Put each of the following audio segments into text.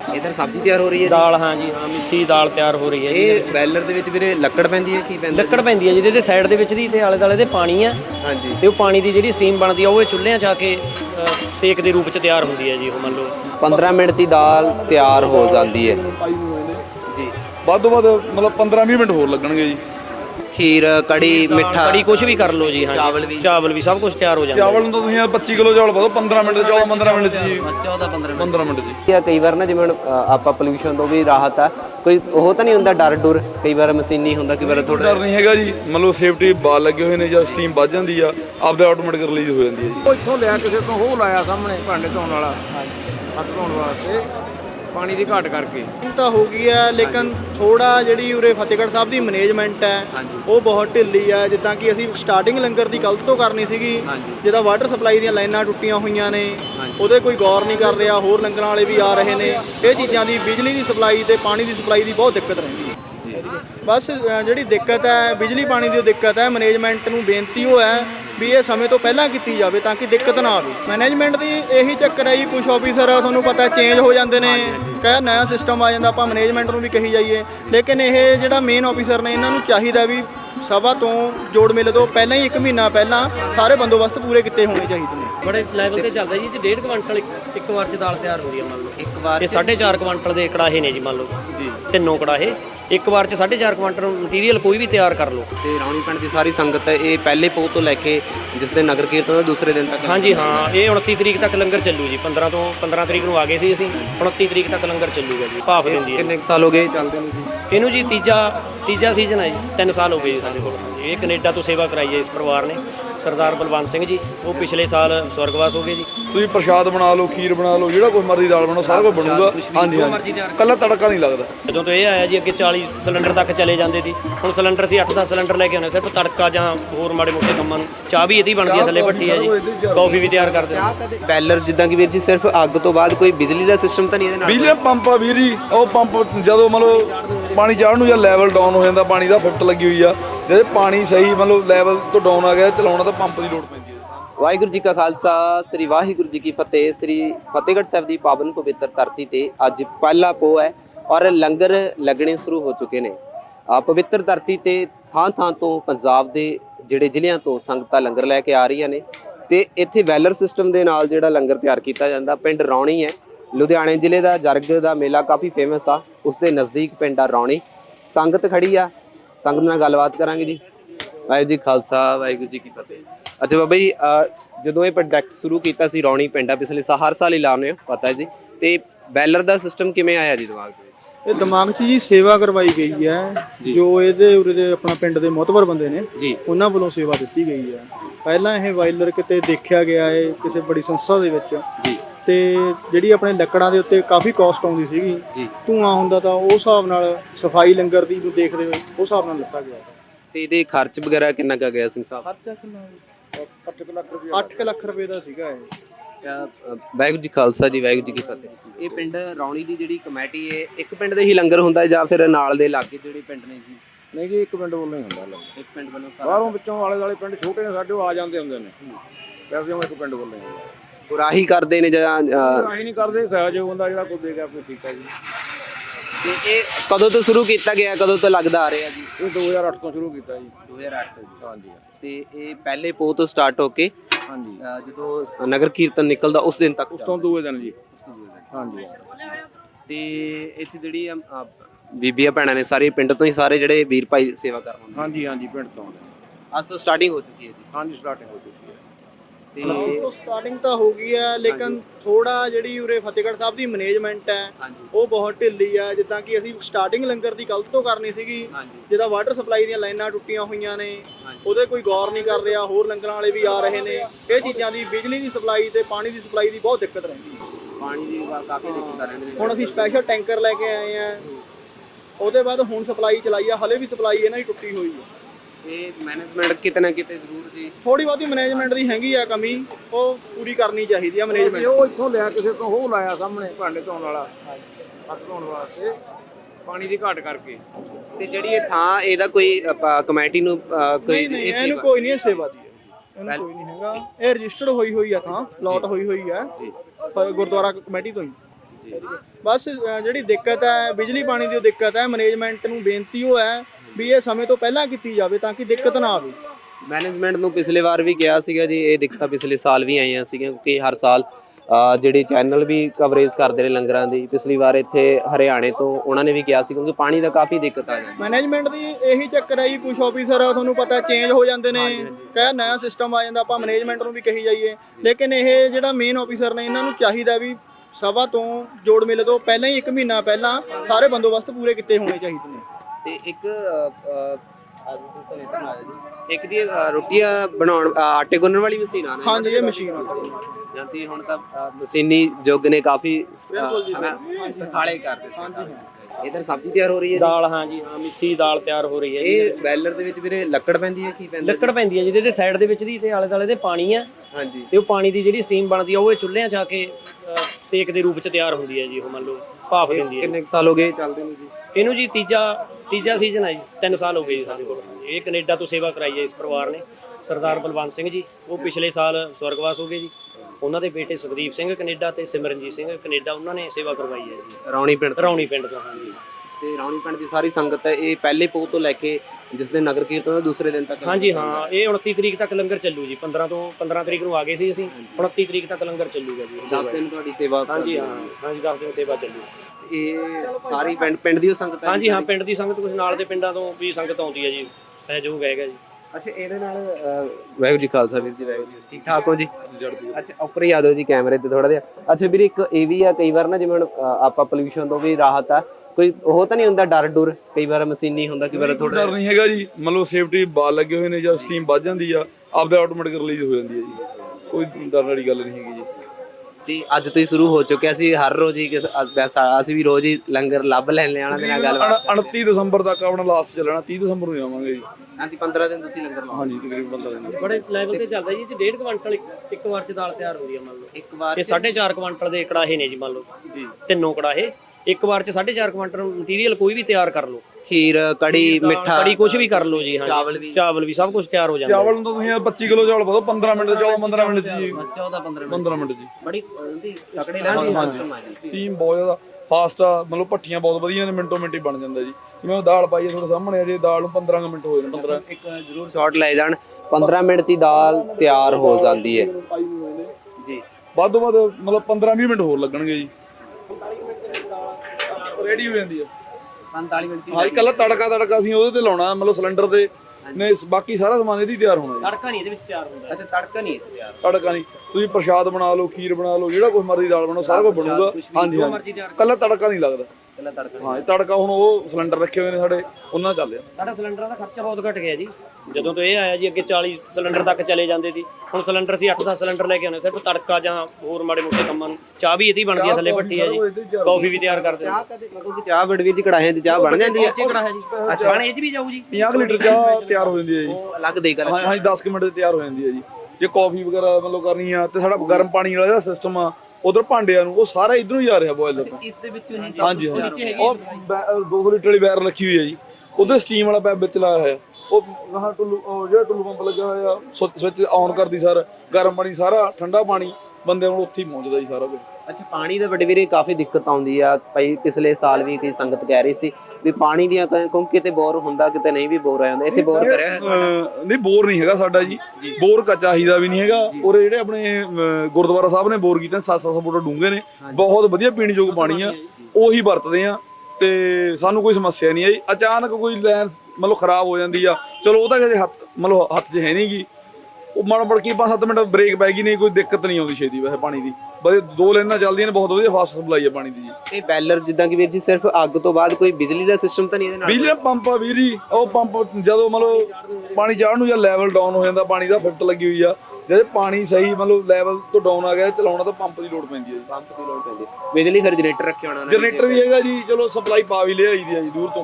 इधर सब्जी तैयार हो रही है दाल हाँ जी हाँ मिੱਠੀ ਦਾਲ ਤਿਆਰ ਹੋ ਰਹੀ ਹੈ ਜੀ। ਇਹ ਬੈਲਰ ਦੇ ਵਿੱਚ ਵੀਰੇ ਲੱਕੜ ਪੈਂਦੀ ਹੈ ਕੀ ਪੈਂਦਾ ਲੱਕੜ ਪੈਂਦੀ ਹੈ ਜਿਹਦੇ ਤੇ ਸਾਈਡ ਦੇ ਵਿੱਚ ਦੀ ਤੇ ਆਲੇ ਦੁਆਲੇ ਦੇ ਪਾਣੀ ਆ ਹਾਂਜੀ ਤੇ ਉਹ ਪਾਣੀ ਦੀ ਜਿਹੜੀ ਸਟੀਮ ਬਣਦੀ ਆ ਉਹ ਚੁੱਲ੍ਹਿਆਂ 'ਚ ਆ ਕੇ ਸੇਕ ਦੇ ਰੂਪ 'ਚ ਤਿਆਰ ਹੁੰਦੀ ਹੈ ਜੀ। ਉਹ ਮੰਨ ਲਓ 15 ਮਿੰਟ ਦੀ ਦਾਲ ਤਿਆਰ ਹੋ ਜਾਂਦੀ ਹੈ ਜੀ। ਵੱਧ ਤੋਂ ਵੱਧ ਮਤਲਬ 15-20 ਮਿੰਟ ਹੋਰ ਲੱਗਣਗੇ ਜੀ। ਖੀਰ ਕੜੀ ਮਿੱਠਾ ਕੜੀ ਕੁਝ ਵੀ ਕਰ ਲਓ ਜੀ। ਹਾਂ ਚਾਵਲ ਵੀ ਸਭ ਕੁਝ ਤਿਆਰ ਹੋ ਜਾਂਦਾ। ਚਾਵਲ ਨੂੰ ਤਾਂ ਤੁਸੀਂ 25 ਕਿਲੋ ਚਾਵਲ ਪਾ ਦਿਓ 15 ਮਿੰਟ 14-15 ਮਿੰਟ ਜੀ। 15 ਮਿੰਟ ਜੀ। ਕਈ ਵਾਰ ਨਾ ਜਿਵੇਂ ਹੁਣ ਆਪਾਂ ਪੋਲੂਸ਼ਨ ਤੋਂ ਵੀ ਰਾਹਤ ਆ ਕੋਈ ਉਹ ਤਾਂ ਨਹੀਂ ਹੁੰਦਾ ਡਰ ਡੁਰ ਕਈ ਵਾਰ ਮਸ਼ੀਨੀ ਹੁੰਦਾ ਕਈ ਵਾਰ ਥੋੜਾ ਡਰ ਨਹੀਂ ਹੈਗਾ ਜੀ। ਮਤਲਬ ਸੇਫਟੀ ਬਾਲ ਲੱਗੇ ਹੋਏ ਨੇ ਜਾਂ ਸਟੀਮ ਵੱਜ ਜਾਂਦੀ ਆ ਆਪਦੇ ਆਟੋਮੈਟਿਕ ਰਿਲੀਜ਼ ਹੋ ਜਾਂਦੀ ਹੈ ਜੀ। ਉਹ ਇੱਥੋਂ ਲਿਆ ਕਿਸੇ ਤੋਂ ਉਹ ਲਾਇਆ ਸਾਹਮਣੇ ਭਾਂਡੇ ਧੋਣ ਵਾਲਾ ਹੱਥ ਧੋਣ ਵਾਸਤੇ ਪਾਣੀ ਦੀ ਘਾਟ ਕਰਕੇ ਤਾਂ ਹੋ ਗਈ ਹੈ ਲੇਕਿਨ ਥੋੜਾ ਜਿਹੜੀ ਉਰੇ ਫਤਿਹਗੜ੍ਹ ਸਾਹਿਬ ਦੀ ਮੈਨੇਜਮੈਂਟ ਹੈ ਉਹ ਬਹੁਤ ਢਿੱਲੀ ਹੈ। ਜਿੱਦਾਂ ਕਿ ਅਸੀਂ ਸਟਾਰਟਿੰਗ ਲੰਗਰ ਦੀ ਗਲਤ ਤੋਂ ਕਰਨੀ ਸੀਗੀ ਜਿੱਦਾਂ ਵਾਟਰ ਸਪਲਾਈ ਦੀਆਂ ਲਾਈਨਾਂ ਟੁੱਟੀਆਂ ਹੋਈਆਂ ਨੇ ਉਹਦੇ ਕੋਈ ਗੌਰ ਨਹੀਂ ਕਰ ਰਿਹਾ। ਹੋਰ ਲੰਗਰਾਂ ਵਾਲੇ ਵੀ ਆ ਰਹੇ ਨੇ। ਇਹ ਚੀਜ਼ਾਂ ਦੀ ਬਿਜਲੀ ਦੀ ਸਪਲਾਈ ਤੇ ਪਾਣੀ ਦੀ ਸਪਲਾਈ ਦੀ ਬਹੁਤ ਦਿੱਕਤ ਰਹਿੰਦੀ ਹੈ। ਬਸ ਜਿਹੜੀ ਦਿੱਕਤ ਹੈ ਬਿਜਲੀ ਪਾਣੀ ਦੀ ਦਿੱਕਤ ਹੈ। ਮੈਨੇਜਮੈਂਟ ਨੂੰ ਬੇਨਤੀ ਉਹ ਹੈ ਵੀ ਇਹ ਸਮੇਂ ਤੋਂ ਪਹਿਲਾਂ ਕੀਤੀ ਜਾਵੇ ਤਾਂ ਕਿ ਦਿੱਕਤ ਨਾ ਆਵੇ। ਮੈਨੇਜਮੈਂਟ ਦੀ ਇਹੀ ਚੱਕਰ ਹੈ ਜੀ ਕੁਝ ਆਫੀਸਰ ਤੁਹਾਨੂੰ ਪਤਾ ਚੇਂਜ ਹੋ ਜਾਂਦੇ ਨੇ ਕਹੇ ਨਵਾਂ ਸਿਸਟਮ ਆ ਜਾਂਦਾ। ਆਪਾਂ ਮੈਨੇਜਮੈਂਟ ਨੂੰ ਵੀ ਕਹੀ ਜਾਈਏ ਲੇਕਿਨ ਇਹ ਜਿਹੜਾ ਮੇਨ ਆਫੀਸਰ ਨੇ ਇਹਨਾਂ ਨੂੰ ਚਾਹੀਦਾ ਵੀ ਸਭਾ ਤੋਂ ਜੋੜ ਮੇਲੇ ਤੋਂ ਪਹਿਲਾਂ ਹੀ 1 ਮਹੀਨਾ ਪਹਿਲਾਂ ਸਾਰੇ ਬੰਦੋਬਸਤ ਪੂਰੇ ਕੀਤੇ ਹੋਣੇ ਚਾਹੀਦੇ ਨੇ। ਬੜੇ ਲੈਵਲ ਤੇ ਚੱਲਦਾ ਜੀ। 1.5 ਕੁਇੰਟਲ ਇੱਕ ਵਾਰ 'ਚ ਦਾਲ ਤਿਆਰ ਹੁੰਦੀ ਹੈ ਮੰਨ ਲਓ। ਇੱਕ ਵਾਰ ਇਹ 4.5 ਕੁਇੰਟਲ ਦੇ ਕੜਾਹੇ ਨੇ ਜੀ ਮੰਨ ਲਓ ਜੀ। ਤਿੰਨੋਂ ਕੜਾਹੇ ਇੱਕ ਵਾਰ 'ਚ 4.5 ਕੁਇੰਟਲ ਮਟੀਰੀਅਲ ਕੋਈ ਵੀ ਤਿਆਰ ਕਰ ਲਓ। ਤੇ ਰੌਣੀ ਪਿੰਡ ਦੀ ਸਾਰੀ ਸੰਗਤ ਇਹ ਪਹਿਲੇ ਪੋਹ ਤੋਂ ਲੈ ਕੇ ਜਿਸ ਦਿਨ ਨਗਰ ਕੀਰਤਨ ਦਾ ਦੂਸਰੇ ਦਿਨ ਤੱਕ ਹਾਂਜੀ ਹਾਂ ਇਹ 29 ਤਰੀਕ ਤੱਕ ਲੰਗਰ ਚੱਲੂ ਜੀ। 15 ਤਰੀਕ ਨੂੰ ਆ ਗਏ ਸੀ ਅਸੀਂ। 29 ਤਰੀਕ ਤੱਕ ਲੰਗਰ ਚੱਲੂਗਾ ਜੀ। ਭਾਫ ਦਿੰਦੀ ਹੈ। ਕਿੰਨੇ ਸਾਲ ਹੋ ਗਏ ਚੱਲਦੇ ਨੂੰ ਜੀ? ਇਹਨੂੰ ਜੀ ਤੀਜਾ ਸੀਜ਼ਨ ਹੈ ਜੀ। 3 ਸਾਲ ਹੋ ਗਏ ਜੀ ਸਾਡੇ ਕੋਲ। ਇਹ ਕੈਨੇਡਾ ਤੋਂ ਸੇਵਾ ਕਰਾਈ ਹੈ ਇਸ ਪਰਿਵਾਰ ਨੇ। ਸਰਦਾਰ ਬਲਵੰਤ ਸਿੰਘ ਜੀ ਉਹ ਪਿਛਲੇ ਸਾਲ ਸਵਰਗਵਾਸ ਹੋ ਗਏ ਜੀ। ਤੁਸੀਂ ਪ੍ਰਸ਼ਾਦ ਬਣਾ ਲਓ ਖੀਰ ਬਣਾ ਲਓ ਜਿਹੜਾ ਕੋਈ ਮਰਜ਼ੀ ਦਾਲ ਬਣਾਓ ਸਾਰਾ ਕੁਝ ਬਣੂਗਾ। ਹਾਂਜੀ ਹਾਂਜੀ ਕੱਲਾ ਤੜਕਾ ਨਹੀਂ ਲੱਗਦਾ। ਜਦੋਂ ਤੋਂ ਇਹ ਆਇਆ ਜੀ ਅੱਗੇ 40 ਸਿਲੰਡਰ ਤੱਕ ਚਲੇ ਜਾਂਦੇ ਸੀ। ਹੁਣ ਸਿਲੰਡਰ ਅਸੀਂ 8-10 ਸਿਲੰਡਰ ਲੈ ਕੇ ਆਉਂਦੇ ਸਿਰਫ ਤੜਕਾ ਜਾਂ ਹੋਰ ਮਾੜੇ ਮੋਟੇ ਕੰਮਾਂ ਨੂੰ। ਚਾਹ ਵੀ ਇਹਦੀ ਬਣਦੀ ਹੈ ਥੱਲੇ ਭੱਠੀ ਹੈ ਜੀ। ਕੌਫੀ ਵੀ ਤਿਆਰ ਕਰਦੇ ਨੇ। ਬੈਲਰ ਜਿੱਦਾਂ ਕਿ ਵੀਰ ਜੀ ਸਿਰਫ ਅੱਗ ਤੋਂ ਬਾਅਦ ਕੋਈ ਬਿਜਲੀ ਦਾ ਸਿਸਟਮ ਤਾਂ ਨਹੀਂ ਇਹਦੇ ਨਾਲ? ਬਿਜਲੀ ਪੰਪ ਆ ਵੀਰ ਜੀ। ਉਹ ਪੰਪ ਜਦੋਂ ਮਤਲਬ ਪਾਣੀ ਚਾੜਨ ਨੂੰ ਜਾਂ ਲੈਵਲ ਡਾਊਨ ਹੋ ਜਾਂਦਾ ਪਾਣੀ ਦਾ ਫਿਫਟ ਲੱਗੀ ਹੋਈ ਆ। ਜੇ ਪਾਣੀ ਸਹੀ ਮਤਲਬ ਲੈਵਲ ਤੋਂ ਡਾਊਨ ਆ ਗਿਆ ਚਲਾਉਣਾ ਤਾਂ ਪੰਪ ਦੀ ਲੋੜ ਪੈਂਦੀ ਹੈ। ਵਾਹਿਗੁਰੂ ਜੀ ਕਾ ਖਾਲਸਾ ਸ੍ਰੀ ਵਾਹਿਗੁਰੂ ਜੀ ਕੀ ਫਤਿਹ। ਸ੍ਰੀ ਫਤਿਹਗੜ੍ਹ ਸਾਹਿਬ ਦੀ ਪਾਵਨ ਪਵਿੱਤਰ ਧਰਤੀ ਤੇ ਅੱਜ ਪਹਿਲਾ ਪੋਹ ਹੈ ਔਰ ਲੰਗਰ ਲੱਗਣੇ ਸ਼ੁਰੂ ਹੋ ਚੁੱਕੇ ਨੇ। ਪਵਿੱਤਰ ਧਰਤੀ ਤੇ ਥਾਂ ਤੋਂ ਪੰਜਾਬ ਦੇ ਜਿਹੜੇ ਜ਼ਿਲ੍ਹਿਆਂ ਤੋਂ ਸੰਗਤਾਂ ਲੰਗਰ ਲੈ ਕੇ ਆ ਰਹੀਆਂ ਨੇ ਤੇ ਇੱਥੇ ਵੈਲਰ ਸਿਸਟਮ ਦੇ ਨਾਲ ਜਿਹੜਾ ਲੰਗਰ ਤਿਆਰ ਕੀਤਾ ਜਾਂਦਾ। ਪਿੰਡ ਰੌਣੀ ਹੈ ਲੁਧਿਆਣੇ ਜ਼ਿਲ੍ਹੇ ਦਾ। ਜਰਗ ਦਾ ਮੇਲਾ ਕਾਫੀ ਫੇਮਸ ਆ। ਉਸ ਦੇ ਨਜ਼ਦੀਕ ਪਿੰਡ ਆ ਰੌਣੀ। ਸੰਗਤ ਖੜੀ ਆ ਸੰਗਤ ਨਾਲ ਗੱਲਬਾਤ ਕਰਾਂਗੇ ਜੀ। ਵਾਹਿਗੁਰੂ ਜੀ ਖਾਲਸਾ ਵਾਹਿਗੁਰੂ ਜੀ ਕੀ ਫਤਿਹ। ਅੱਛਾ ਬਾਬਾ ਜੀ ਜਦੋਂ ਇਹ ਪ੍ਰੋਜੈਕਟ ਸ਼ੁਰੂ ਕੀਤਾ ਸੀ ਰੌਣੀ ਪਿੰਡ ਆ ਪਿਛਲੇ ਹਰ ਸਾਲ ਹੀ ਲਾਉਂਦੇ ਹੋ ਪਤਾ ਜੀ ਤੇ ਬੈਲਰ ਦਾ ਸਿਸਟਮ ਕਿਵੇਂ ਆਇਆ ਜੀ ਦਿਮਾਗ ਦੇ ਵਿੱਚ? ਇਹ ਦਿਮਾਗ 'ਚ ਜੀ ਸੇਵਾ ਕਰਵਾਈ ਗਈ ਹੈ ਜੋ ਇਹਦੇ ਉਰੇ ਦੇ ਆਪਣਾ ਪਿੰਡ ਦੇ ਮੋਹਤਬਰ ਬੰਦੇ ਨੇ ਜੀ ਉਹਨਾਂ ਵੱਲੋਂ ਸੇਵਾ ਦਿੱਤੀ ਗਈ ਹੈ। ਪਹਿਲਾਂ ਇਹ ਬਾਇਲਰ ਕਿਤੇ ਦੇਖਿਆ ਗਿਆ ਹੈ ਕਿਸੇ ਬੜੀ ਸੰਸਥਾ ਦੇ ਵਿੱਚ ਜੀ ਤੇ ਜਿਹੜੀ ਆਪਣੇ ਲੱਕੜਾਂ ਦੇ ਉੱਤੇ ਕਾਫੀ ਕਾਸਟ ਆਉਂਦੀ ਸੀਗੀ ਜੀ ਧੂਆਂ ਹੁੰਦਾ ਤਾਂ ਉਸ ਹਿਸਾਬ ਨਾਲ ਸਫਾਈ ਲੰਗਰ ਦੀ ਨੂੰ ਦੇਖਦੇ ਹੋਏ ਉਸ ਹਿਸਾਬ ਨਾਲ ਲਿੱਤਾ ਗਿਆ। ਤੇ ਇਹਦੇ ਖਰਚ ਵਗੈਰਾ ਕਿੰਨਾ ਕੁ ਗਿਆ ਸਿੰਘ ਸਾਹਿਬ? ਖਰਚਾ ਕਿੰਨਾ 8 ਲੱਖ ਰੁਪਏ ਦਾ ਸੀਗਾ ਇਹ। ਵਾਹਿਗੁਰੂ ਜੀ ਖਾਲਸਾ ਜੀ ਵਾਹਿਗੁਰੂ ਜੀ ਕੀ ਫਤਿਹ। ਇਹ ਪਿੰਡ ਰੌਣੀ ਦੀ ਜਿਹੜੀ ਕਮੇਟੀ ਹੈ ਇੱਕ ਪਿੰਡ ਦੇ ਹੀ ਲੰਗਰ ਹੁੰਦਾ ਜਾਂ ਫਿਰ ਨਾਲ ਦੇ ਲਾਗੇ ਜਿਹੜੇ ਪਿੰਡ ਨੇ ਜੀ? ਨਹੀਂ ਜੀ ਇੱਕ ਪਿੰਡ ਵੱਲੋਂ ਹੀ ਹੁੰਦਾ ਲੰਗਰ। ਇੱਕ ਪਿੰਡ ਵੱਲੋਂ ਸਾਰਾ ਬਾਹਰੋਂ ਵਿੱਚੋਂ ਆਲੇ ਦੁਆਲੇ ਪਿੰਡ ਛੋਟੇ ਨੇ ਸਾਡੇ ਉਹ ਆ ਜਾਂਦੇ ਹੁੰਦੇ ਨੇ ਵੈਸੇ ਉਹ ਇੱਕ ਪਿੰਡ ਵੱਲੋਂ ਹੀ ਹੁੰਦਾ। ਉਰਾਹੀ ਕਰਦੇ ਨੇ ਜਾਂ ਆਹੀ ਨਹੀਂ ਕਰਦੇ ਸਹਿਯੋਗ ਹੁੰਦਾ ਜਿਹੜਾ ਕੋਈ ਦੇ ਗਿਆ ਕੋਈ ਠੀਕ ਹੈ ਜੀ। ਤੇ ਇਹ ਕਦੋਂ ਤੋਂ ਸ਼ੁਰੂ ਕੀਤਾ ਗਿਆ ਕਦੋਂ ਤੋਂ ਲੱਗਦਾ ਆ ਰਿਹਾ ਜੀ? ਇਹ 2008 ਤੋਂ ਸ਼ੁਰੂ ਕੀਤਾ ਜੀ। 2008 ਤੋਂ ਜੀ। ਹਾਂਜੀ ਤੇ ਇਹ ਪਹਿਲੇ ਪੋਹ ਤੋਂ ਸਟਾਰਟ ਹੋ ਕੇ ਹਾਂਜੀ ਜਦੋਂ ਨਗਰ ਕੀਰਤਨ ਨਿਕਲਦਾ ਉਸ ਦਿਨ ਤੱਕ ਉਸ ਤੋਂ ਦੂਏ ਦਿਨ ਜੀ। ਹਾਂਜੀ ਤੇ ਇੱਥੇ ਜਿਹੜੀ ਬੀਬੀਆਂ ਭੈਣਾਂ ਨੇ ਸਾਰੇ ਪਿੰਡ ਤੋਂ ਹੀ ਸਾਰੇ ਜਿਹੜੇ ਵੀਰ ਭਾਈ ਸੇਵਾ ਕਰ ਰਹੇ ਹਾਂਜੀ ਹਾਂਜੀ ਪਿੰਡ ਤੋਂ ਅੱਜ ਤੋਂ ਸਟਾਰਟਿੰਗ ਹੋ ਚੁੱਕੀ ਹੈ ਜੀ। ਹਾਂਜੀ ਸਟਾਰਟਿੰਗ ਹੋ ਚੁੱਕੀ ਹੈ। ਤੇ ਸਟਾਰਟਿੰਗ ਤਾਂ ਹੋ ਗਈ ਹੈ ਲੇਕਿਨ ਥੋੜਾ ਜਿਹੜੀ ਉਰੇ ਫਤਿਹਗੜ੍ਹ ਸਾਹਿਬ ਦੀ ਮੈਨੇਜਮੈਂਟ ਹੈ ਉਹ ਬਹੁਤ ਢਿੱਲੀ ਹੈ। ਜਿੱਦਾਂ ਕਿ ਅਸੀਂ ਸਟਾਰਟਿੰਗ ਲੰਗਰ ਦੀ ਗਲਤ ਤੋਂ ਕਰਨੀ ਸੀਗੀ ਜਿੱਦਾਂ ਵਾਟਰ ਸਪਲਾਈ ਦੀਆਂ ਲਾਈਨਾਂ ਟੁੱਟੀਆਂ ਹੋਈਆਂ ਨੇ ਉਹਦੇ ਕੋਈ ਗੌਰ ਨਹੀਂ ਕਰ ਰਿਹਾ। ਹੋਰ ਲੰਗਰਾਂ ਵਾਲੇ ਵੀ ਆ ਰਹੇ ਨੇ। ਇਹ ਚੀਜ਼ਾਂ ਦੀ ਬਿਜਲੀ ਦੀ ਸਪਲਾਈ ਤੇ ਪਾਣੀ ਦੀ ਸਪਲਾਈ ਦੀ ਬਹੁਤ ਦਿੱਕਤ ਰਹਿੰਦੀ ਹੈ। ਪਾਣੀ ਦੀ ਕਾਫੀ ਦਿੱਕਤ ਰਹਿੰਦੀ ਹੈ। ਹੁਣ ਅਸੀਂ ਸਪੈਸ਼ਲ ਟੈਂਕਰ ਲੈ ਕੇ ਆਏ ਆ ਉਹਦੇ ਬਾਅਦ ਹੁਣ ਸਪਲਾਈ ਚਲਾਈ ਆ। ਹਲੇ ਵੀ ਸਪਲਾਈ ਇਹਨਾਂ ਦੀ ਟੁੱਟੀ ਹੋਈ ਹੈ। ਇਹ ਮੈਨੇਜਮੈਂਟ ਕਿਤੇ ਨਾ ਕਿਤੇ ਜ਼ਰੂਰ ਜੀ ਥੋੜੀ ਬਹੁਤੀ ਮੈਨੇਜਮੈਂਟ ਦੀ ਹੈਗੀ ਆ ਕਮੀ ਉਹ ਪੂਰੀ ਕਰਨੀ ਚਾਹੀਦੀ ਆ ਮੈਨੇਜਮੈਂਟ। ਉਹ ਇੱਥੋਂ ਲਿਆ ਕਿਸੇ ਤੋਂ ਉਹ ਲਾਇਆ ਸਾਹਮਣੇ ਭਾਂਡੇ ਧੋਣ ਵਾਲਾ ਹੱਥ ਧੋਣ ਵਾਸਤੇ ਪਾਣੀ ਦੀ ਘਾਟ ਕਰਕੇ। ਤੇ ਜਿਹੜੀ ਇਹ ਥਾਂ ਇਹਦਾ ਕੋਈ ਕਮੇਟੀ ਨੂੰ ਕੋਈ ਇਹਨੂੰ ਕੋਈ ਨਹੀਂ ਸੇਵਾ ਦੀ ਇਹਨੂੰ ਕੋਈ ਨਹੀਂ ਹੈਗਾ। ਇਹ ਰਜਿਸਟਰਡ ਹੋਈ ਆ ਥਾਂ ਪਲਾਟ ਹੋਈ ਆ ਗੁਰਦੁਆਰਾ ਕਮੇਟੀ ਤੋਂ ਹੀ। ਬਸ ਜਿਹੜੀ ਦਿੱਕਤ ਹੈ ਬਿਜਲੀ ਪਾਣੀ ਦੀ, ਉਹ ਦਿੱਕਤ ਹੈ। ਮੈਨੇਜਮੈਂਟ ਨੂੰ ਬੇਨਤੀ ਉਹ ਹੈ ਵੀ ਇਹ ਸਮੇਂ ਤੋਂ ਪਹਿਲਾਂ ਕੀਤੀ ਜਾਵੇ ਤਾਂ ਕਿ ਦਿੱਕਤ ਨਾ ਆਵੇ। ਮੈਨੇਜਮੈਂਟ ਨੂੰ ਪਿਛਲੇ ਵਾਰ ਵੀ ਕਿਹਾ ਸੀਗਾ ਜੀ, ਇਹ ਦਿੱਕਤਾਂ ਪਿਛਲੇ ਸਾਲ ਵੀ ਆਈਆਂ ਸੀਗੀਆਂ ਕਿਉਂਕਿ ਹਰ ਸਾਲ ਜਿਹੜੇ ਚੈਨਲ ਵੀ ਕਵਰੇਜ ਕਰਦੇ ਨੇ ਲੰਗਰਾਂ ਦੀ। ਪਿਛਲੀ ਵਾਰ ਇੱਥੇ ਹਰਿਆਣੇ ਤੋਂ ਉਹਨਾਂ ਨੇ ਵੀ ਕਿਹਾ ਸੀ ਕਿਉਂਕਿ ਪਾਣੀ ਦਾ ਕਾਫੀ ਦਿੱਕਤ ਆ ਜਾਂਦੀ। ਮੈਨੇਜਮੈਂਟ ਦੀ ਇਹੀ ਚੱਕਰ ਹੈ ਜੀ, ਕੁਝ ਆਫੀਸਰ ਤੁਹਾਨੂੰ ਪਤਾ ਚੇਂਜ ਹੋ ਜਾਂਦੇ ਨੇ, ਕਹੇ ਨਵਾਂ ਸਿਸਟਮ ਆ ਜਾਂਦਾ, ਆਪਾਂ ਮੈਨੇਜਮੈਂਟ ਨੂੰ ਵੀ ਕਹੀ ਜਾਈਏ। ਲੇਕਿਨ ਇਹ ਜਿਹੜਾ ਮੇਨ ਆਫੀਸਰ ਨੇ, ਇਹਨਾਂ ਨੂੰ ਚਾਹੀਦਾ ਵੀ ਸਭਾ ਤੋਂ ਜੋੜ ਮੇਲੇ ਤੋਂ ਪਹਿਲਾਂ ਹੀ 1 ਮਹੀਨਾ ਪਹਿਲਾਂ ਸਾਰੇ ਬੰਦੋਬਸਤ ਪੂਰੇ ਕੀਤੇ ਹੋਣੇ ਚਾਹੀਦੇ ਨੇ। ਤੇ ਇੱਕ ਦੀ ਰੋਟੀਆਂ ਬਣਾਉਣ ਆਟੇ ਗੁੰਨਣ ਵਾਲੀ ਮਸ਼ੀਨ ਆ ਹਾਂਜੀ, ਇਹ ਮਸ਼ੀਨ ਆ ਜਾਂਦੀ ਹੁਣ ਤਾਂ ਮਸ਼ੀਨੀ ਯੁੱਗ ਨੇ ਕਾਫੀ ਸਖਾਲੇ ਕਰ ਦਿੱਤੇ। ਇਧਰ ਸਬਜ਼ੀ ਤਿਆਰ ਹੋ ਰਹੀ ਹੈ ਦਾਲ, ਹਾਂਜੀ ਹਾਂ, ਮਿੱਸੀ ਦਾਲ ਤਿਆਰ ਹੋ ਰਹੀ ਹੈ ਜੀ। ਇਹ ਬੈਲਰ ਦੇ ਵਿੱਚ ਵੀਰੇ ਲੱਕੜ ਪੈਂਦੀ ਹੈ, ਕੀ ਪੈਂਦਾ? ਲੱਕੜ ਪੈਂਦੀ ਹੈ ਜਿਹਦੇ ਤੇ ਸਾਈਡ ਦੇ ਵਿੱਚ ਦੀ ਤੇ ਆਲੇ ਦੁਆਲੇ ਦੇ ਪਾਣੀ ਆ। ਹਾਂਜੀ। ਤੇ ਉਹ ਪਾਣੀ ਦੀ ਜਿਹੜੀ ਸਟੀਮ ਬਣਦੀ ਆ ਉਹ ਇਹ ਚੁੱਲ੍ਹਿਆਂ 'ਚ ਆ ਕੇ ਸੇਕ ਦੇ ਰੂਪ 'ਚ ਤਿਆਰ ਹੁੰਦੀ ਹੈ ਜੀ। ਉਹ ਮੰਨ ਲਓ ਭਾਫ ਦਿੰਦੀ ਹੈ। ਕਿੰਨੇ ਸਾਲ ਹੋ ਗਏ ਚੱਲਦੇ ਨੂੰ ਜੀ ਇਹਨੂੰ ਜੀ ਤੀਜਾ ਸੀਜ਼ਨ ਹੈ ਜੀ। 3 ਸਾਲ ਹੋ ਗਏ ਜੀ ਸਾਡੇ ਕੋਲ। ਇਹ ਕੈਨੇਡਾ ਤੋਂ ਸੇਵਾ ਕਰਾਈ ਹੈ ਇਸ ਪਰਿਵਾਰ ਨੇ। ਸਰਦਾਰ ਬਲਵੰਤ ਸਿੰਘ ਜੀ, ਉਹ ਪਿਛਲੇ ਸਾਲ ਸਵਰਗਵਾਸ ਹੋ ਗਏ ਜੀ। ਉਹਨਾਂ ਦੇ ਬੇਟੇ ਸੁਖਦੀਪ ਸਿੰਘ ਕੈਨੇਡਾ ਤੇ ਸਿਮਰਨਜੀਤ ਸਿੰਘ ਕੈਨੇਡਾ, ਉਹਨਾਂ ਨੇ ਸੇਵਾ ਕਰਵਾਈ ਹੈ ਜੀ ਰੌਣੀ ਪਿੰਡ ਤੋਂ। ਹਾਂਜੀ। ਤੇ ਰੌਣੀ ਪਿੰਡ ਦੀ ਸਾਰੀ ਸੰਗਤ ਹੈ ਇਹ ਪਹਿਲੇ ਪੋਹ ਤੋਂ ਲੈ ਕੇ ਜਿਸ ਦਿਨ ਨਗਰ ਕੀਰਤਨ ਦਾ ਦੂਸਰੇ ਦਿਨ ਤੱਕ? ਹਾਂਜੀ ਹਾਂ, ਇਹ 29 ਤਰੀਕ ਤੱਕ ਲੰਗਰ ਚੱਲੂ ਜੀ। 15 ਤਰੀਕ ਨੂੰ ਆ ਗਏ ਸੀ ਅਸੀਂ, 29 ਤਰੀਕ ਤੱਕ ਲੰਗਰ ਚੱਲੂਗਾ ਜੀ। 10 ਦਿਨ ਤੁਹਾਡੀ ਸੇਵਾ? ਹਾਂਜੀ ਹਾਂ, 10 ਦਿਨ ਸੇਵਾ ਚੱਲੂ। ਇਹ ਸਾਰੀ ਪਿੰਡ ਦੀ ਸੰਗਤ ਹੈ? ਹਾਂਜੀ ਹਾਂ, ਪਿੰਡ ਦੀ ਸੰਗਤ, ਕੁਝ ਨਾਲ ਦੇ ਪਿੰਡਾਂ ਤੋਂ ਵੀ ਸੰਗਤ ਆਉਂਦੀ ਹੈ ਜੀ। ਸਹਿਯੋਗ ਹੈਗਾ ਜੀ। ਅੱਛਾ, ਇਹਦੇ ਨਾਲ ਵਾਹਿਗੁਰੂ ਜੀ ਖਾਲਸਾ, ਵੀਰ ਜੀ ਵਾਹਿਗੁਰੂ ਜੀ। ਠੀਕ ਠਾਕ ਹੋ ਜੀ? ਅੱਛਾ, ਉੱਪਰ ਹੀ ਆ ਜਾਓ ਜੀ ਕੈਮਰੇ ਤੇ ਥੋੜਾ ਜਿਹਾ। ਅੱਛਾ ਵੀਰੇ, ਇੱਕ ਇਹ ਵੀ ਆ, ਕਈ ਵਾਰ ਨਾ ਜਿਵੇਂ ਆਪਾਂ ਪੋਲਿਊਸ਼ਨ ਤੋਂ ਵੀ ਰਾਹਤ ਆ, ਕੋਈ ਉਹ ਤਾਂ ਨਹੀਂ ਹੁੰਦਾ ਡਰ ਡੁਰ? ਕਈ ਵਾਰ ਮਸ਼ੀਨੀ ਹੁੰਦਾ, ਕਈ ਵਾਰ ਥੋੜਾ ਡਰ ਨਹੀਂ ਹੈਗਾ ਜੀ। ਮਤਲਬ ਸੇਫਟੀ ਬਾਲ ਲੱਗੇ ਹੋਏ ਨੇ, ਜਾਂ ਸਟੀਮ ਵੱਜ ਜਾਂਦੀ ਆ ਆਪਦੇ ਆਟੋਮੈਟਿਕ ਰਿਲੀਜ਼ ਹੋ ਜਾਂਦੀ ਹੈ ਜੀ। ਕੋਈ ਡਰਨ ਵਾਲੀ ਗੱਲ ਨਹੀਂ ਹੈਗੀ ਜੀ। ਤੇ ਅੱਜ ਤੋਂ ਹੀ ਸ਼ੁਰੂ ਹੋ ਚੁੱਕਿਆ ਸੀ ਹਰ ਰੋਜ਼ ਹੀ ਅਸੀਂ ਵੀ ਰੋਜ਼ ਹੀ ਲੰਗਰ ਲੱਭ ਲੈਣੇ ਆਣਾ ਦੇ ਨਾਲ ਗੱਲਬਾਤ। 29 ਦਸੰਬਰ ਤੱਕ ਆਪਣਾ ਲਾਸਟ ਚੱਲਣਾ, 30 ਦਸੰਬਰ ਨੂੰ ਜਾਵਾਂਗੇ ਜੀ। ਹਾਂਜੀ, 15 ਦਿਨ ਤੁਸੀਂ ਲੰਗਰ ਲਾਓ? ਹਾਂਜੀ, ਤਕਰੀਬਨ 15 ਦਿਨ। ਬੜੇ ਲੈਵਲ ਤੇ ਚੱਲਦਾ ਜੀ। 1.5 ਕੁਆਂਟਲ ਇੱਕ ਵਾਰ ਚ ਦਾਲ ਤਿਆਰ ਹੁੰਦੀ ਹੈ ਮੰਨ ਲਓ। ਇੱਕ ਵਾਰ ਤੇ 4.5 ਕੁਆਂਟਲ ਦੇ ਕੜਾਹੇ ਨੇ ਜੀ ਮੰਨ ਲਓ ਜੀ, 3 ਕੜਾਹੇ। ਇੱਕ ਵਾਰ ਚ 4.5 ਕੁਆਂਟਲ ਮਟੀਰੀਅਲ ਕੋਈ ਵੀ ਤਿਆਰ ਕਰ ਲਓ। ਖੀਰ, ਕੜੀ, ਮਿੱਠਾ, ਕੜੀ ਕੁਝ ਵੀ ਕਰ ਲਓ ਜੀ। ਹਾਂ, ਚਾਵਲ ਵੀ ਸਭ ਕੁਝ ਤਿਆਰ ਹੋ ਜਾਂਦਾ। ਚਾਵਲ ਨੂੰ ਤਾਂ ਤੁਸੀਂ 25 ਕਿਲੋ ਚਾਵਲ ਪਾਓ 15 ਮਿੰਟ, 14-15 ਮਿੰਟ ਜੀ। 14-15 ਮਿੰਟ ਜੀ। ਬੜੀ ਤਕੜੇ ਲੈਣ ਸਿਸਟਮ ਆ ਜੀ। ਸਟੀਮ ਬਹੁਤ ਜ਼ਿਆਦਾ ਫਾਸਟ ਆ, ਮਤਲਬ ਭੱਠੀਆਂ ਬਹੁਤ ਵਧੀਆ ਨੇ, ਮਿੰਟੋ ਮਿੰਟ ਹੀ ਬਣ ਜਾਂਦਾ ਜੀ। ਜਿਵੇਂ ਉਹ ਦਾਲ ਪਾਈਏ ਤੁਹਾਡੇ ਸਾਹਮਣੇ, ਅਜੇ ਦਾਲ ਨੂੰ 15 ਮਿੰਟ ਹੋਏ ਨੇ। 15 ਇੱਕ ਜ਼ਰੂਰ ਸ਼ਾਟ ਲੈ ਜਾਣ, 15 ਮਿੰਟ ਦੀ ਦਾਲ ਤਿਆਰ ਹੋ ਜਾਂਦੀ ਹੈ ਜੀ। ਵੱਧ ਤੋਂ ਵੱਧ ਮਤਲਬ 15-20 ਮਿੰਟ ਹੋਰ ਲੱਗਣਗੇ ਜੀ। ਰੈਡੀ ਹੋ ਜਾਂਦੀ ਆ 45 ਮਿੰਟ ਹਾਂ। ਇਕੱਲਾ ਤੜਕਾ ਅਸੀਂ ਉਹਦੇ ਤੇ ਲਾਉਣਾ, ਮਤਲਬ ਸਿਲੰਡਰ ਤੇ ਨੇ, ਬਾਕੀ ਸਾਰਾ ਸਮਾਨ ਇਹਦੀ ਤਿਆਰ ਹੋਣਾ ਜੀ। ਤੜਕਾ ਨਹੀਂ ਇਹਦੇ ਵਿੱਚ ਤਿਆਰ ਹੁੰਦਾ। ਅੱਛਾ, ਤੜਕਾ ਨਹੀਂ ਤਿਆਰ? ਤੜਕਾ ਨਹੀਂ, ਤੁਸੀਂ ਪ੍ਰਸ਼ਾਦ ਬਣਾ ਲਓ, ਖੀਰ ਬਣਾ ਲਓ, ਜਿਹੜਾ ਕੁਝ ਮਰਜ਼ੀ ਦਾਲ ਬਣਾਓ, ਸਾਰਾ ਕੁਝ ਬਣੂਗਾ। ਹਾਂਜੀ ਹਾਂਜੀ, ਇਕੱਲਾ ਤੜਕਾ ਨਹੀਂ ਲੱਗਦਾ। ਹਾਂ, ਇਹ ਤੜਕਾ ਹੁਣ ਉਹ ਸਿਲੰਡਰ ਰੱਖੇ ਹੋਏ ਨੇ ਸਾਡੇ, ਉਹਨਾਂ ਚੱਲਿਆ। ਸਾਡਾ ਸਿਲੰਡਰਾਂ ਦਾ ਖਰਚਾ ਬਹੁਤ ਘਟ ਗਿਆ ਜੀ ਜਦੋਂ ਤੋਂ ਇਹ ਆਇਆ ਜੀ। ਅੱਗੇ 40 ਸਿਲੰਡਰ ਤੱਕ ਚਲੇ ਜਾਂਦੇ ਸੀ, ਹੁਣ ਸਿਲੰਡਰ ਅਸੀਂ 8-10 ਸਿਲੰਡਰ ਲੈ ਕੇ ਆਉਂਦੇ। ਸਿਰਫ ਤੜਕਾ ਜਾਂ ਹੋਰ ਮਾੜੇ ਮੋਟੇ ਕੰਮਾਂ ਨੂੰ। ਚਾਹ ਵੀ ਇਹਦੀ ਬਣਦੀ ਹੈ, ਥੱਲੇ ਭੱਠੀ ਹੈ ਜੀ। ਕੌਫੀ ਵੀ ਤਿਆਰ ਕਰਦੇ ਚਾਹ ਕਦੇ ਮਤਲਬ ਕਿ ਚਾਹ ਬੜਵੀਰ ਦੀ ਕੜਾਹੇ ਦੀ ਚਾਹ ਬਣ ਜਾਂਦੀ ਹੈ? ਕੜਾਹਾ ਜੀ, ਅੱਛਾ, ਇਹ 'ਚ ਵੀ ਜਾਊ ਜੀ। 50 ਲੀਟਰ ਚਾਹ ਤਿਆਰ ਹੋ ਜਾਂਦੀ ਹੈ ਜੀ। ਉਹ ਅਲੱਗ ਦੇ ਕਰ? ਹਾਂ ਹਾਂਜੀ, 10 ਮਿੰਟ ਤੇ ਤਿਆਰ ਹੋ ਜਾਂਦੀ ਹੈ ਜੀ। ਜੇ ਕੌਫੀ ਵਗੈਰਾ ਮਤਲਬ ਕਰਨੀ ਆ, ਤੇ ਸਾਡਾ ਗਰਮ ਪਾਣੀ ਵਾਲਾ ਜਿਹੜਾ ਸਿਸਟਮ ਆ, ਉਧਰ ਭਾਂਡਿਆਂ ਨੂੰ ਉਹ ਸਾਰਾ ਇਧਰੋਂ ਹੀ ਆ ਰਿਹਾ ਬੋਇਲਰ ਤੋਂ। ਇਸ ਦੇ ਵਿੱਚੋਂ ਹੀ? ਹਾਂਜੀ ਹਾਂਜੀ, ਉਹ 2 ਲੀਟਰ ਵਾਲੀ ਬੈਰਲ ਰੱਖੀ ਹੋਈ ਹੈ ਜੀ। ਉਹਦੇ ਸਟੀਮ ਵਾਲਾ ਪੈਪ ਵਿੱਚ ਲਾਇਆ ਹੋਇਆ। ਉਹ ਗਾਹਾਂ ਜਿਹੜਾ ਟੁੱਲੂ ਪੰਪ ਲੱਗਿਆ ਹੋਇਆ, ਸਵਿਚ ਆਨ ਕਰਦੀ ਸਰ ਗਰਮ ਪਾਣੀ, ਸਾਰਾ ਠੰਡਾ ਪਾਣੀ ਬੰਦੇ ਨੂੰ ਉੱਥੇ ਹੀ ਪਹੁੰਚਦਾ ਜੀ ਸਾਰਾ ਕੁਝ। ਅੱਛਾ, ਪਾਣੀ ਦਾ ਵੱਡੇ ਵੀਰੇ ਕਾਫੀ ਦਿੱਕਤ ਆਉਂਦੀ ਆ ਭਾਈ। ਪਿਛਲੇ ਸਾਲ ਵੀ ਕਈ ਸੰਗਤ ਕਹਿ ਰਹੀ ਸੀ ਵੀ ਪਾਣੀ ਦੀਆਂ ਕਿਉਂਕਿ ਕਿਤੇ ਬੋਰ ਹੁੰਦਾ, ਕਿਤੇ ਨਹੀਂ ਵੀ ਬੋਰ ਆ ਜਾਂਦਾ। ਇੱਥੇ ਬੋਰ ਕਰਿਆ ਨਹੀਂ, ਬੋਰ ਨਹੀਂ ਹੈਗਾ ਸਾਡਾ ਜੀ। ਬੋਰ ਚਾਹੀਦਾ ਵੀ ਨਹੀਂ ਹੈਗਾ। ਔਰ ਜਿਹੜੇ ਆਪਣੇ ਗੁਰਦੁਆਰਾ ਸਾਹਿਬ ਨੇ ਬੋਰ ਕੀਤੇ 700 ਫੁੱਟ ਡੂੰਘੇ ਨੇ, ਬਹੁਤ ਵਧੀਆ ਪੀਣ ਯੋਗ ਪਾਣੀ ਆ, ਉਹੀ ਵਰਤਦੇ ਆ। ਤੇ ਸਾਨੂੰ ਕੋਈ ਸਮੱਸਿਆ ਨਹੀਂ ਆਈ। ਅਚਾਨਕ ਕੋਈ ਲਾਈਨ ਮਤਲਬ ਖਰਾਬ ਹੋ ਜਾਂਦੀ ਆ, ਚਲੋ ਉਹਦਾ ਕਿਸੇ ਹੱਥ 'ਚ ਹੈ ਨਹੀਂ ਗੀ। ਉਹ ਮਾੜਾ ਮੋੜ ਕੀ 5-7 ਮਿੰਟ ਬ੍ਰੇਕ ਪੈ ਗਈ, ਨਹੀਂ ਕੋਈ ਦਿੱਕਤ ਨਹੀਂ ਆਉਂਦੀ ਛੇਤੀ। ਵੈਸੇ ਪਾਣੀ ਦੀ ਵਧੀਆ 2 ਲਾਈਨਾਂ ਚੱਲਦੀਆਂ ਨੇ, ਬਹੁਤ ਵਧੀਆ ਫਾਸਟ ਸਪਲਾਈ ਆ ਪਾਣੀ ਦੀ ਜੀ। ਇਹ ਬੈਲਰ ਜਿੱਦਾਂ ਕਿ ਵੀਰ ਜੀ ਸਿਰਫ ਅੱਗ ਤੋਂ ਬਾਅਦ ਕੋਈ ਬਿਜਲੀ ਦਾ ਸਿਸਟਮ ਤਾਂ ਨਹੀਂ ਇਹਦੇ ਨਾਲ? ਬਿਜਲੀ ਪੰਪ ਆ ਵੀਰ ਜੀ। ਉਹ ਪੰਪ ਜਦੋਂ ਮਤਲਬ ਪਾਣੀ ਚਾੜਨ ਨੂੰ ਜਾਂ ਲੈਵਲ ਡਾਊਨ ਹੋ ਜਾਂਦਾ ਪਾਣੀ ਦਾ, ਫਿਫਟ ਲੱਗੀ ਹੋਈ ਆ, ਜਦ ਪਾਣੀ ਸਹੀ ਮਤਲਬ ਲੈਵਲ ਤੋਂ ਡਾਊਨ ਆ ਗਿਆ, ਚਲਾਉਣਾ ਤਾਂ ਪੰਪ ਦੀ ਲੋੜ ਪੈਂਦੀ ਹੈ ਜੀ। ਪੰਪ ਦੀ ਲੋੜ ਪੈਂਦੀ ਹੈ। ਬਿਜਲੀ ਫਿਰ ਜਨਰੇਟਰ ਰੱਖਿਆ ਹੋਣਾ? ਜਨਰੇਟਰ ਵੀ ਹੈਗਾ ਜੀ, ਚਲੋ ਸਪਲਾਈ ਪਾ ਵੀ ਲਿਆਈ ਦੀ ਆ ਜੀ ਦੂਰ ਤੋਂ।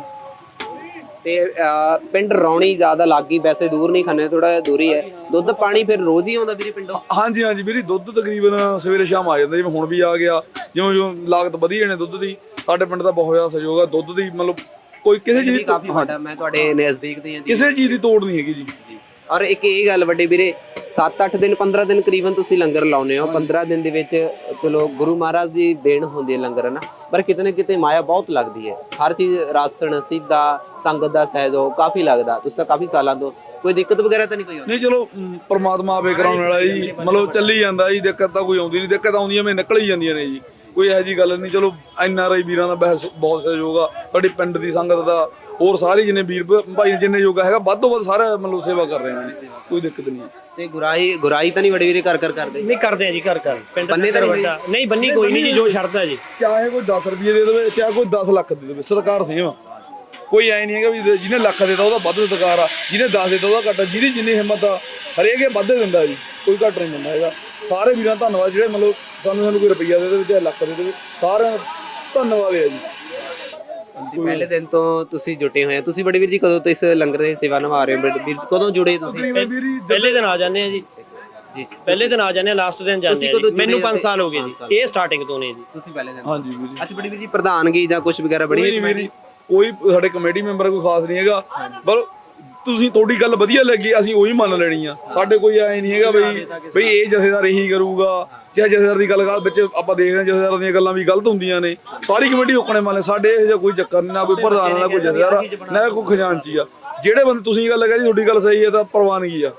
ਤੇ ਪਿੰਡ ਰੌਣੀ ਜ਼ਿਆਦਾ ਲੱਗੀ, ਵੈਸੇ ਦੂਰ ਨਹੀਂ, ਖੰਨੇ ਥੋੜਾ ਜਿਹਾ ਦੂਰ ਹੀ ਹੈ। ਦੁੱਧ ਪਾਣੀ ਫਿਰ ਰੋਜ਼ ਹੀ ਆਉਂਦਾ ਵੀਰੇ ਪਿੰਡੋਂ? ਹਾਂਜੀ ਹਾਂਜੀ ਵੀਰੇ, ਦੁੱਧ ਤਕਰੀਬਨ ਸਵੇਰੇ ਸ਼ਾਮ ਆ ਜਾਂਦਾ। ਜਿਵੇਂ ਹੁਣ ਵੀ ਆ ਗਿਆ, ਜਿਵੇਂ ਲਾਗਤ ਵਧੀਆ ਨੇ ਦੁੱਧ ਦੀ। ਸਾਡੇ ਪਿੰਡ ਦਾ ਬਹੁਤ ਜ਼ਿਆਦਾ ਸਹਿਯੋਗ ਆ ਦੁੱਧ ਦੀ, ਮਤਲਬ ਕੋਈ ਕਿਸੇ ਚੀਜ਼ ਦੀ। ਕਾਫੀ ਵੱਡਾ, ਮੈਂ ਤੁਹਾਡੇ ਨਜ਼ਦੀਕ ਦੀ ਹਾਂ ਜੀ। ਕਿਸੇ ਚੀਜ਼ ਦੀ ਤੋੜ ਨਹੀਂ ਹੈਗੀ ਜੀ। ਔਰ ਇੱਕ ਇਹ ਗੱਲ ਵੱਡੇ ਵੀਰੇ 7-8 ਦਿਨ 15 ਦਿਨ ਕਰੀਬਨ ਤੁਸੀਂ ਲੰਗਰ ਲਾਉਨੇ ਹੋ 15 ਦਿਨ ਦੇ ਵਿੱਚ ਚਲੋ ਗੁਰੂ ਮਹਾਰਾਜ ਦੀ ਦੇਣ ਹੁੰਦੀ ਹੈ ਲੰਗਰ ਨਾ ਪਰ ਕਿਤੇ ਨਾ ਕਿਤੇ ਮਾਇਆ ਬਹੁਤ ਲੱਗਦੀ ਹੈ ਹਰ ਚੀਜ਼ ਰਾਸ਼ਨ ਸਿੱਧਾ ਸੰਗਤ ਦਾ ਸਹਿਯੋਗ ਕਾਫੀ ਲੱਗਦਾ ਤੁਸੀਂ ਤਾਂ ਕਾਫੀ ਸਾਲਾਂ ਤੋਂ ਕੋਈ ਦਿੱਕਤ ਵਗੈਰਾ ਤਾਂ ਨਹੀਂ ਕੋਈ ਨਹੀਂ ਚਲੋ ਪ੍ਰਮਾਤਮਾ ਆਪੇ ਕਰਾਉਣ ਵਾਲਾ ਜੀ ਮਤਲਬ ਚੱਲੀ ਜਾਂਦਾ ਜੀ ਦਿੱਕਤ ਤਾਂ ਕੋਈ ਆਉਂਦੀ ਨਹੀਂ ਦਿੱਕਤ ਆਉਂਦੀਆਂ ਮੈਂ ਨਿਕਲ ਹੀ ਜਾਂਦੀਆਂ ਨੇ ਜੀ ਕੋਈ ਇਹੋ ਜਿਹੀ ਗੱਲ ਨਹੀਂ ਚਲੋ NRI ਵੀਰਾਂ ਦਾ ਬਹੁਤ ਸਹਿਯੋਗ ਆ ਸਾਡੀ ਪਿੰਡ ਦੀ ਸੰਗਤ ਦਾ ਹੋਰ ਸਾਰੇ ਜਿੰਨੇ ਵੀਰ ਭਾਈ ਜਿੰਨੇ ਯੋਗਾ ਹੈਗਾ ਵੱਧ ਤੋਂ ਵੱਧ ਸਾਰਾ ਮਤਲਬ ਸੇਵਾ ਕਰ ਰਹੇ ਨੇ ਕੋਈ ਦਿੱਕਤ ਨਹੀਂ ਤੇ ਗੁਰਾਈ ਤਾਂ ਨਹੀਂ ਵੱਡੇ ਵੀਰੇ ਕਰ ਕਰਦੇ ਨਹੀਂ ਕਰਦੇ ਆ ਜੀ ਘਰ ਪਿੰਡ ਬੰਨੇ ਤਾਂ ਵੱਡਾ ਨਹੀਂ ਬੰਨੀ ਕੋਈ ਨਹੀਂ ਜੀ ਜੋ ਛੱਡਦਾ ਜੀ ਚਾਹੇ ਕੋਈ 10 ਰੁਪਏ ਦੇ ਦੇਵੇ ਚਾਹੇ ਕੋਈ 10 ਲੱਖ ਦੇ ਦੇਵੇ ਸਤਿਕਾਰ ਸੇਮ ਕੋਈ ਐ ਨਹੀਂ ਹੈਗਾ ਵੀ ਜਿਹਨੇ ਲੱਖ ਦੇਤਾ ਉਹਦਾ ਵੱਧ ਸਤਿਕਾਰ ਆ ਜਿਹਨੇ 10 ਦੇਤਾ ਉਹਦਾ ਘੱਟ ਜਿਹਦੀ ਜਿੰਨੀ ਹਿੰਮਤ ਆ ਹਰੇਕ ਇਹ ਵੱਧ ਦਿੰਦਾ ਜੀ ਕੋਈ ਘੱਟ ਨਹੀਂ ਦਿੰਦਾ ਹੈਗਾ ਸਾਰੇ ਵੀਰਾਂ ਦਾ ਧੰਨਵਾਦ ਜਿਹੜੇ ਮਤਲਬ ਸਾਨੂੰ ਕੋਈ ਰੁਪਈਆ ਦੇ ਦੇਵੇ ਚਾਹੇ ਲੱਖ ਦੇ ਦੇਵੇ ਸਾਰਿਆਂ ਦਾ ਧੰਨਵਾਦ ਹੈ ਜੀ ਪਹਿਲੇ ਦਿਨ ਤੋਂ ਤੁਸੀਂ ਜੁਟੇ ਹੋਏ ਆ ਤੁਸੀਂ ਬੜੇ ਵੀਰ ਜੀ ਕਦੋਂ ਤੋਂ ਇਸ ਲੰਗਰ ਦੀ ਸੇਵਾ ਨਿਭਾ ਰਹੇ ਹੋ ਵੀਰ ਕਦੋਂ ਜੁੜੇ ਤੁਸੀਂ ਪਹਿਲੇ ਦਿਨ ਆ ਜਾਂਦੇ ਆ ਜੀ ਪਹਿਲੇ ਦਿਨ ਆ ਜਾਂਦੇ ਆ ਲਾਸਟ ਦਿਨ ਜਾਂਦੇ ਆ ਮੈਨੂੰ 5 ਸਾਲ ਹੋ ਗਏ ਜੀ ਇਹ ਸਟਾਰਟਿੰਗ ਤੋਂ ਨੇ ਜੀ ਤੁਸੀਂ ਪਹਿਲੇ ਦਿਨ ਹਾਂਜੀ ਵੀਰ ਜੀ ਅੱਛਾ ਬੜੇ ਵੀਰ ਜੀ ਪ੍ਰਧਾਨਗੀ ਜਾਂ ਕੁਝ ਵਗੈਰਾ ਬੜੀ ਕੋਈ ਸਾਡੇ ਕਮੇਟੀ ਮੈਂਬਰ ਕੋਈ ਖਾਸ ਨਹੀਂ ਹੈਗਾ ਪਰ ਤੁਸੀਂ ਤੁਹਾਡੀ ਗੱਲ ਵਧੀਆ ਲੱਗੀ ਅਸੀਂ ਉਹੀ ਮੰਨ ਲੈਣੀ ਆ ਸਾਡੇ ਕੋਈ ਐ ਨਹੀਂ ਹੈਗਾ ਬਈ ਇਹ ਜਥੇਦਾਰ ਇਹੀ ਕਰੂਗਾ ਚਾਹੇ ਜਥੇਦਾਰ ਦੀ ਗੱਲ ਵਿੱਚ ਆਪਾਂ ਦੇਖਦੇ ਹਾਂ ਜਥੇਦਾਰ ਦੀਆਂ ਗੱਲਾਂ ਵੀ ਗਲਤ ਹੁੰਦੀਆਂ ਨੇ ਸਾਰੀ ਕਮੇਟੀ ਓਕਣੇ ਮੰਨ ਲੈ ਸਾਡੇ ਇਹ ਜਿਹਾ ਕੋਈ ਚੱਕਰ ਨਹੀਂ ਨਾ ਕੋਈ ਪ੍ਰਧਾਨ ਨਾ ਕੋਈ ਜਥੇਦਾਰ ਨਾ ਕੋਈ ਖਜ਼ਾਨਚੀ ਆ ਜਿਹੜੇ ਬੰਦੇ ਤੁਸੀਂ ਗੱਲ ਕਹੀ ਤੁਹਾਡੀ ਗੱਲ ਸਹੀ ਹੈ ਤਾਂ ਪ੍ਰਵਾਨਗੀ ਆ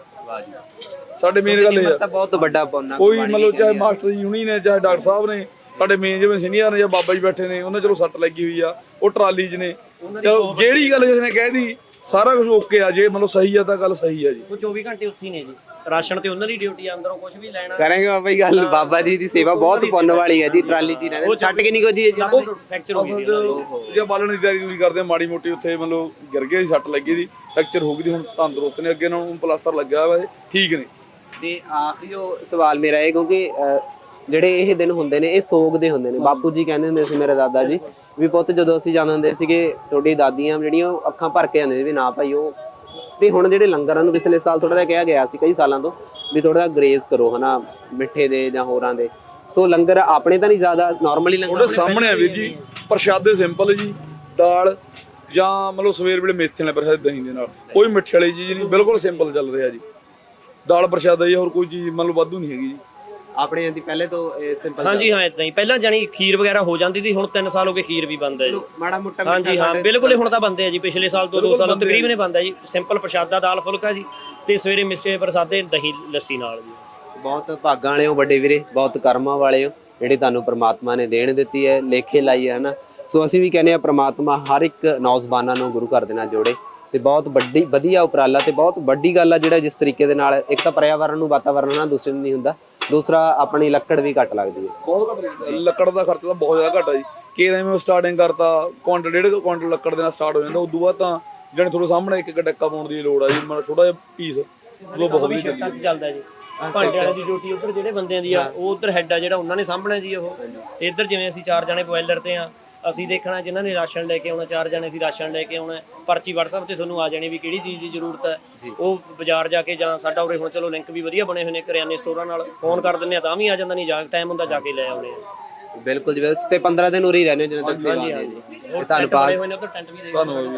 ਸਾਡੇ ਮੇਨ ਗੱਲ ਇਹ ਆ ਬਹੁਤ ਵੱਡਾ ਪੌਨਾ ਕੋਈ ਮਤਲਬ ਚਾਹੇ ਮਾਸਟਰ ਜੀ ਹੁਣੀ ਨੇ ਚਾਹੇ ਡਾਕਟਰ ਸਾਹਿਬ ਨੇ ਸਾਡੇ ਮੇਨ ਜਿਵੇਂ ਸੀਨੀਅਰ ਨੇ ਜਾਂ ਬਾਬਾ ਜੀ ਬੈਠੇ ਨੇ ਉਹਨਾਂ ਚਲੋ ਸੱਟ ਲੱਗੀ ਹੋਈ ਆ ਉਹ ਟਰਾਲੀ 'ਚ ਨੇ ਚਲੋ ਜਿਹੜੀ ਗੱਲ ਕਿਸੇ ਨੇ ਕਹਿ ਦੀ ਸਾਰਾ ਕੁਝ ਓਕੇ ਆ ਜੇ ਮਤਲਬ ਸਹੀ ਆ ਤਾਂ ਗੱਲ ਸਹੀ ਆ ਜੀ ਉਹ 24 ਘੰਟੇ ਉੱਥੇ ਨੇ ਜੀ ਰਾਸ਼ਨ ਤੇ ਉਹਨਾਂ ਦੀ ਡਿਊਟੀ ਆ ਅੰਦਰੋਂ ਕੁਝ ਵੀ ਲੈਣਾ ਕਰਾਂਗੇ ਬਾਬਾ ਜੀ ਗੱਲ ਬਾਬਾ ਜੀ ਦੀ ਸੇਵਾ ਬਹੁਤ ਪੁੰਨ ਵਾਲੀ ਹੈ ਜੀ ਟਰਾਲੀ 'ਚ ਰਹਿੰਦੇ ਛੱਡ ਕੇ ਨਹੀਂ ਕੋਈ ਜੀ ਫ੍ਰੈਕਚਰ ਹੋ ਗਈ ਜੇ ਬਾਲਣ ਦੀ ਤਿਆਰੀ ਤੁਸੀਂ ਕਰਦੇ ਮਾੜੀ ਮੋਟੀ ਉੱਥੇ ਮਤਲਬ ਗਿਰ ਗਏ ਸੀ ਸੱਟ ਲੱਗੀ ਸੀ ਫ੍ਰੈਕਚਰ ਹੋ ਗਈ ਸੀ ਹੁਣ ਤੰਦਰੁਸਤ ਨੇ ਅੱਗੇ ਇਹਨਾਂ ਨੂੰ ਪਲਾਸਟਰ ਲੱਗਿਆ ਹੋਇਆ ਠੀਕ ਨੇ ਤੇ ਆਖਰੀ ਜੋ ਸਵਾਲ ਮੇਰਾ ਇਹ ਕਿਉਂਕਿ ਜਿਹੜੇ ਇਹ ਦਿਨ ਹੁੰਦੇ ਨੇ ਇਹ ਸੋਗ ਦੇ ਹੁੰਦੇ ਨੇ ਬਾਪੂ ਜੀ ਕਹਿੰਦੇ ਹੁੰਦੇ ਸੀ ਮੇਰੇ ਦਾਦਾ ਜੀ ਵੀ ਪੁੱਤ ਜਦੋਂ ਅਸੀਂ ਜਾਂਦੇ ਹੁੰਦੇ ਸੀਗੇ ਤੁਹਾਡੀ ਦਾਦੀਆਂ ਜਿਹੜੀਆਂ ਉਹ ਅੱਖਾਂ ਭਰ ਕੇ ਆਉਂਦੇ ਵੀ ਨਾ ਭਾਈ ਉਹ ਤੇ ਹੁਣ ਜਿਹੜੇ ਲੰਗਰਾਂ ਨੂੰ ਪਿਛਲੇ ਸਾਲ ਥੋੜਾ ਜਿਹਾ ਕਿਹਾ ਗਿਆ ਸੀ ਕਈ ਸਾਲਾਂ ਤੋਂ ਵੀ ਥੋੜਾ ਜਿਹਾ ਗਰੇਜ਼ ਕਰੋ ਹਨਾ ਮਿੱਠੇ ਦੇ ਜਾਂ ਹੋਰਾਂ ਦੇ ਸੋ ਲੰਗਰ ਆਪਣੇ ਤਾਂ ਨਹੀਂ ਜ਼ਿਆਦਾ ਨਾਰਮਲੀ ਲੰਗਰ ਉਹਦੇ ਸਾਹਮਣੇ ਆ ਵੀਰ ਜੀ ਪ੍ਰਸ਼ਾਦੇ ਸਿੰਪਲ ਜੀ ਦਾਲ ਜਾਂ ਮਤਲਬ ਸਵੇਰ ਵੇਲੇ ਮੇਥੇ ਨਾਲ ਪ੍ਰਸ਼ਾਦੇ ਦਹੀਂ ਦੇ ਨਾਲ ਕੋਈ ਮਿੱਠੇ ਵਾਲੀ ਚੀਜ਼ ਨਹੀਂ ਬਿਲਕੁਲ ਸਿੰਪਲ ਚੱਲ ਰਿਹਾ ਜੀ ਦਾਲ ਪ੍ਰਸ਼ਾਦਾ ਜੀ ਹੋਰ ਕੋਈ ਚੀਜ਼ ਮਤਲਬ ਵਾਧੂ ਨਹੀਂ ਹੈਗੀ ਜੀ ਆਪਣੇ ਦੀ ਪਹਿਲੇ ਤੋਂ ਸਿੰਪਲ ਹਾਂਜੀ ਹਾਂ ਇਦਾਂ ਹੀ ਪਹਿਲਾਂ ਜਾਨੀ ਖੀਰ ਵਗੈਰਾ ਹੋ ਜਾਂਦੀ ਸੀ ਹੁਣ 3 ਸਾਲ ਹੋ ਗਏ ਖੀਰ ਵੀ ਬੰਦ ਹੈ ਜੀ ਮਾੜਾ ਮੋਟਾ ਹਾਂਜੀ ਹਾਂ ਬਿਲਕੁਲ ਹੁਣ ਤਾਂ ਬੰਦੇ ਆ ਜੀ ਪਿਛਲੇ ਸਾਲ ਤੋਂ 2 ਸਾਲ ਤਕਰੀਬਨ ਬੰਦ ਹੈ ਜੀ ਸਿੰਪਲ ਪ੍ਰਸ਼ਾਦਾ ਦਾਲ ਫੁਲਕਾ ਜੀ ਤੇ ਸਵੇਰੇ ਮਿੱਸੇ ਪ੍ਰਸਾਦੇ ਦਹੀਂ ਲੱਸੀ ਨਾਲ ਜੀ ਬਹੁਤ ਭਾਗਾਂ ਵਾਲੇ ਹੋ ਵੱਡੇ ਵੀਰੇ ਬਹੁਤ ਕਰਮਾਂ ਵਾਲੇ ਹੋ ਜਿਹੜੇ ਤੁਹਾਨੂੰ ਪ੍ਰਮਾਤਮਾ ਨੇ ਦੇਣ ਦਿੱਤੀ ਹੈ ਲੇਖੇ ਲਾਈ ਹੈ ਨਾ ਸੋ ਅਸੀਂ ਵੀ ਕਹਿੰਦੇ ਆ ਪ੍ਰਮਾਤਮਾ ਹਰ ਇੱਕ ਨੌਜਵਾਨਾਂ ਨੂੰ ਗੁਰੂ ਘਰ ਦੇ ਨਾਲ ਜੋੜੇ ਤੇ ਬਹੁਤ ਵੱਡੀ ਵਧੀਆ ਉਪਰਾਲਾ ਤੇ ਬਹੁਤ ਵੱਡੀ ਗੱਲ ਆ ਜਿਹੜਾ ਜਿਸ ਤਰੀਕੇ ਦੇ ਨਾਲ ਇੱਕ ਤਾਂ ਪਰਿਆਵਰਨ ਨੂੰ ਵਾਤਾਵਰਨ ਨਾਲ ਦੂਸਰੇ ਨੂੰ ਨਹੀਂ ਹੁੰਦਾ ਦੂਸਰਾ ਆਪਣੀ ਲੱਕੜ ਵੀ ਘੱਟ ਲੱਗਦੀ ਹੈ ਬਹੁਤ ਘੱਟ ਲੱਕੜ ਦਾ ਖਰਚਾ ਤਾਂ ਬਹੁਤ ਜ਼ਿਆਦਾ ਘੱਟ ਆ ਜੀ ਕੇਰਾਂ ਮੈਂ ਸਟਾਰਟਿੰਗ ਕਰਤਾ ਕੁਆਂਟਲ 1.5 ਕੁਆਂਟਲ ਲੱਕੜ ਦੇ ਨਾਲ ਸਟਾਰਟ ਹੋ ਜਾਂਦਾ ਉਦੋਂ ਬਾਅਦ ਤਾਂ ਜਿਹੜੇ ਥੋੜੇ ਸਾਹਮਣੇ ਇੱਕ ਡੱਕਾ ਪਾਉਣ ਦੀ ਲੋੜ ਆ ਜੀ ਮਤਲਬ ਛੋਟਾ ਜਿਹਾ ਪੀਸ ਉਹ ਬਹੁਤ ਵਧੀਆ ਚੱਲਦਾ ਜੀ ਭਾਂਡੇ ਵਾਲੀ ਦੀ ਡਿਊਟੀ ਉੱਧਰ ਜਿਹੜੇ ਬੰਦਿਆਂ ਦੀ ਆ ਉਹ ਉੱਧਰ ਹੈੱਡ ਆ ਜਿਹੜਾ ਉਹਨਾਂ ਨੇ ਸਾਂਭਣਾ ਜੀ ਉਹ ਤੇ ਇੱਧਰ ਜਿਵੇਂ ਅਸੀਂ 4 ਜਣੇ ਬੋਇਲਰ ਤੇ ਆ ਅਸੀਂ ਦੇਖਣਾ ਜਿਨ੍ਹਾਂ ਨੇ ਰਾਸ਼ਨ ਲੈ ਕੇ ਆਉਣਾ 4 ਜਣੇ ਅਸੀਂ ਰਾਸ਼ਨ ਲੈ ਕੇ ਆਉਣਾ ਪਰਚੀ WhatsApp ਤੇ ਤੁਹਾਨੂੰ ਆ ਜਾਣੀ ਵੀ ਕਿਹੜੀ ਚੀਜ਼ ਦੀ ਜ਼ਰੂਰਤ ਹੈ ਉਹ ਬਾਜ਼ਾਰ ਜਾ ਕੇ ਜਾਂ ਸਾਡਾ ਉਰੇ ਹੁਣ ਚਲੋ ਲਿੰਕ ਵੀ ਵਧੀਆ ਬਣੇ ਹੋਏ ਨੇ ਕਰਿਆਨੇ ਸਟੋਰਾਂ ਨਾਲ ਫੋਨ ਕਰ ਦਿੰਦੇ ਆ ਤਾਂ ਵੀ ਆ ਜਾਂਦਾ ਨਹੀਂ ਜਾ ਟਾਈਮ ਹੁੰਦਾ ਜਾ ਕੇ ਲੈ ਆਉਣੇ ਆ ਬਿਲਕੁਲ ਜੀ ਤੇ 15 ਦਿਨ ਉਰੇ ਹੀ ਰਹਿੰਦੇ ਜਿੰਨੇ ਤੱਕ ਸੇਵਾ ਹੈ ਜੀ ਧੰਨਵਾਦ ਹੋਏ ਨੇ ਉੱਧਰ ਟੈਂਟ ਵੀ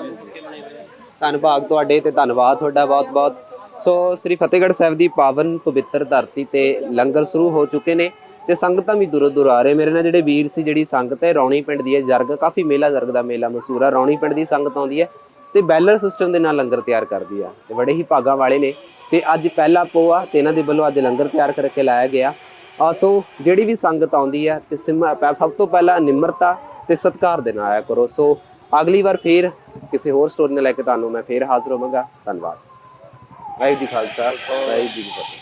ਧੰਨਵਾਦ ਤੁਹਾਡੇ ਤੇ ਧੰਨਵਾਦ ਤੁਹਾਡਾ ਬਹੁਤ ਬਹੁਤ ਸੋ ਸ੍ਰੀ ਫਤਿਹਗੜ੍ਹ ਸਾਹਿਬ ਦੀ ਪਾਵਨ ਪਵਿੱਤਰ ਧਰਤੀ ਤੇ ਲੰਗਰ ਸ਼ੁਰੂ ਹੋ ਚੁੱਕੇ ਨੇ ਤੇ ਸੰਗਤਾਂ ਵੀ ਦੂਰੋਂ ਦੂਰ ਆ ਰਹੇ ਮੇਰੇ ਨਾਲ ਜਿਹੜੇ ਵੀਰ ਸੀ ਜਿਹੜੀ ਸੰਗਤ ਹੈ ਰੌਣੀ ਪਿੰਡ ਦੀ ਹੈ ਜਰਗ ਕਾਫੀ ਮੇਲਾ ਜਰਗ ਦਾ ਮੇਲਾ ਮਸ਼ਹੂਰ ਆ ਰੌਣੀ ਪਿੰਡ ਦੀ ਸੰਗਤ ਆਉਂਦੀ ਹੈ ਤੇ ਬੈਲਰ ਸਿਸਟਮ ਦੇ ਨਾਲ ਲੰਗਰ ਤਿਆਰ ਕਰਦੀ ਆ ਤੇ ਬੜੇ ਹੀ ਭਾਗਾਂ ਵਾਲੇ ਨੇ ਤੇ ਅੱਜ ਪਹਿਲਾ ਪੋਹ ਆ ਤੇ ਇਹਨਾਂ ਦੇ ਵੱਲੋਂ ਅੱਜ ਲੰਗਰ ਤਿਆਰ ਕਰਕੇ ਲਾਇਆ ਗਿਆ ਸੋ ਜਿਹੜੀ ਵੀ ਸੰਗਤ ਆਉਂਦੀ ਹੈ ਤੇ ਸਭ ਤੋਂ ਪਹਿਲਾਂ ਨਿਮਰਤਾ ਤੇ ਸਤਿਕਾਰ ਦੇ ਨਾਲ ਆਇਆ ਕਰੋ ਸੋ ਅਗਲੀ ਵਾਰ ਫੇਰ ਕਿਸੇ ਹੋਰ ਸਟੋਰੀ ਨਾਲ ਲੈ ਕੇ ਤੁਹਾਨੂੰ ਮੈਂ ਫੇਰ ਹਾਜ਼ਰ ਹੋਵਾਂਗਾ ਧੰਨਵਾਦ ਵਾਹਿਗੁਰੂ ਜੀ ਖਾਲਸਾ ਵਾਹਿਗੁਰੂ ਜੀ ਕੀ ਫਤਿਹ